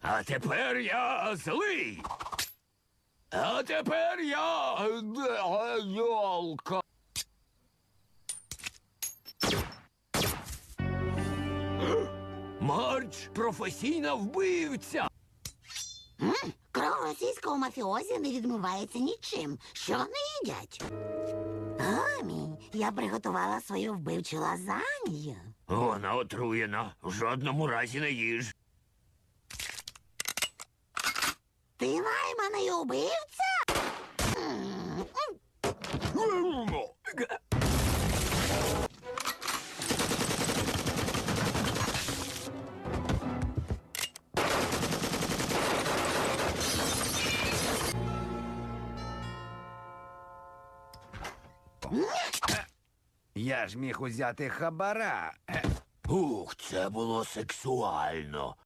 А тепер я злий. А тепер я йолка. Марч професійна вбивця. Кров російського мафіозі не відмивається нічим. Що вони їдять? Гамі, я приготувала свою вбивчу лазанью. Вона отруєна. В жодному разі не їж. Ти найманий убивця? Я ж міг узяти хабара. Ух, це було сексуально.